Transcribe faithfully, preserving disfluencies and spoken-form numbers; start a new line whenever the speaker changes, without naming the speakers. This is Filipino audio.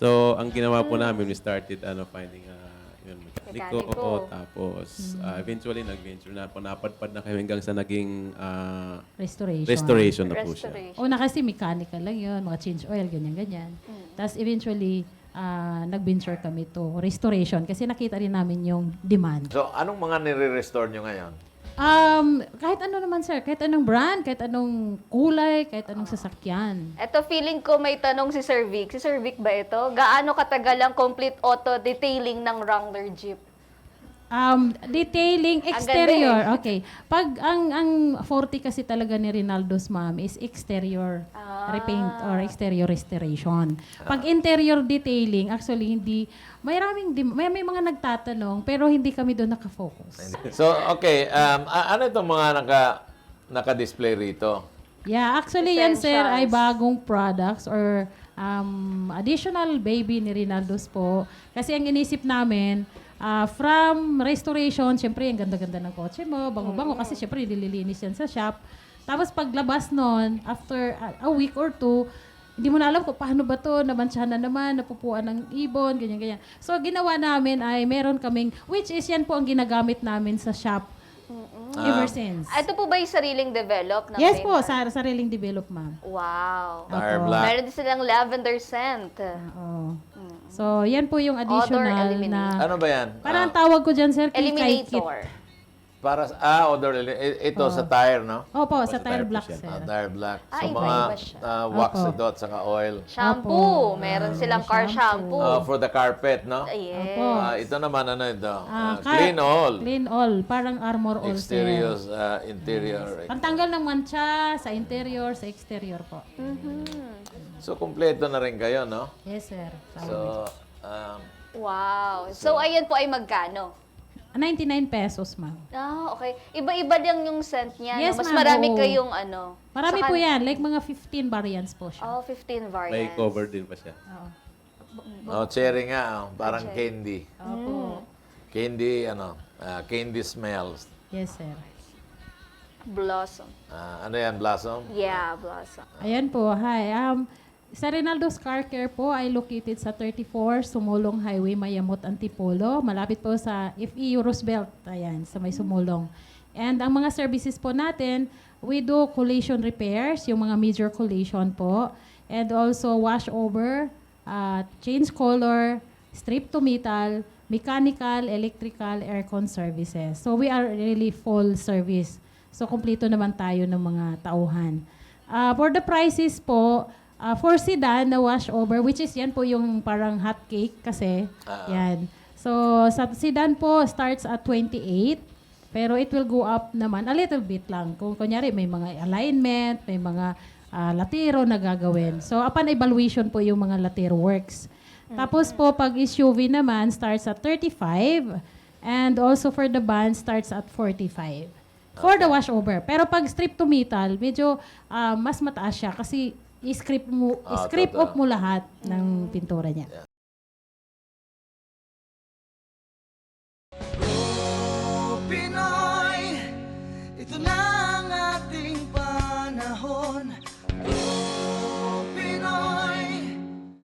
So, ang ginawa po namin, we started ano, finding a yun, mekaniko.
Mekaniko.
Tapos, ah, eventually, nag-venture na po. Napadpad na kami hanggang sa naging ah,
Restoration.
restoration na po siya.
Restoration.
Una kasi mechanical lang yun, mga change oil, ganyan-ganyan. Tapos eventually, ah, nag-venture kami to restoration kasi nakita rin namin yung demand.
So, anong mga nire-restore nyo ngayon?
Um, kahit ano naman sir, kahit anong brand, kahit anong kulay, kahit anong sasakyan.
Ito, feeling ko may tanong si Sir Vic. Si Sir Vic ba ito? Gaano katagal ang complete auto detailing ng Wrangler Jeep?
Um, detailing
Ang
exterior.
ganda
Okay. Pag ang ang forte kasi talaga ni Rinaldo's ma'am is exterior
Ah.
repaint or exterior restoration. Pag interior detailing, actually hindi may maraming dim- may, may mga nagtatanong pero hindi kami doon nakafocus.
So, okay. Um, a- ano itong mga naka, naka-display rito?
Yeah, actually yan sir ay
Essentials.
bagong products or um, additional baby ni Rinaldo's po. Kasi ang inisip namin, ah, from restoration, syempre ang ganda-ganda ng kotse mo, bango-bango kasi syempre nililinis yan sa shop. Tapos paglabas nun, after a, a week or two, hindi mo na alam kung paano ba to, nabansyahan na naman, napupuan ng ibon, ganyan-ganyan. So ginawa namin ay meron kaming, which is yan po ang ginagamit namin sa shop ever since.
Ah, Ito po ba yung sariling develop? ng
Yes
paint?
po, sa sariling develop ma'am.
Wow.
Tire
Opo.
black.
Meron din silang lavender scent.
Oo. So, yan po yung additional
eliminate.
na...
Ano ba yan?
Parang
Ah,
tawag ko dyan, sir, kikay kit.
Eliminator.
para sa, ah, odor, i- ito sa tire, no?
Opo, sa
sa
tire
tire po
black,
siya.
sir.
Ah, tire black.
Ah,
So,
iba-iba
mga
siya.
ah, wax
Opo.
ito at saka oil.
Shampoo.
Opo.
Meron
Ah,
silang car shampoo.
Ah, for the carpet, no?
Yes.
Opo.
Ah, ito naman, ano ito?
Ah,
Ah,
car-
clean all.
Clean all. Parang armor all,
Exterior,
sir.
ah, interior.
Pantanggal ng mancha sa interior, sa exterior po.
So, kumpleto na rin kayo, no?
Yes, sir.
So, um,
Wow. So, ayan po ay magkano?
ninety-nine pesos, ma'am.
Ah, okay. Iba-iba lang yung scent niya.
Yes,
no? Mas
ma'am,
marami
oo.
kayong ano.
Marami
Sa
po
kan-
yan. Like mga fifteen variants po siya.
Oh, fifteen
May
variants.
cover din pa siya.
Oo.
oh, cherry nga, oh, parang candy.
Opo.
Candy, ano, ah, candy smells.
Yes, sir.
Blossom.
Ah, ano yan, blossom?
Yeah, blossom.
Ayan po. Hi. Um, sa Rinaldo's Car Care po ay located sa thirty-four Sumulong Highway, Mayamot, Antipolo. Malapit po sa F E U Roosevelt. Ayan, sa may Sumulong. And ang mga services po natin, we do collision repairs, yung mga major collision po. And also wash over, uh, change color, strip to metal, mechanical, electrical, aircon services. So we are really full service. So kompleto naman tayo ng mga tauhan. Uh, for the prices po, uh, for sedan na wash over, which is yan po yung parang hot cake kasi.
Ah.
Yan. So sa sedan po starts at twenty-eight. Pero it will go up naman a little bit lang. Kung kunyari may mga alignment, may mga ah, latero na gagawin. So upon evaluation po yung mga latero works. Tapos po pag S U V naman starts at thirty-five and also for the van starts at forty-five. For the washover. Pero pag strip to metal, medyo ah, mas mataas siya kasi i-strip mo,
Ah,
i-strip
totoo.
off mo lahat ng pintura niya.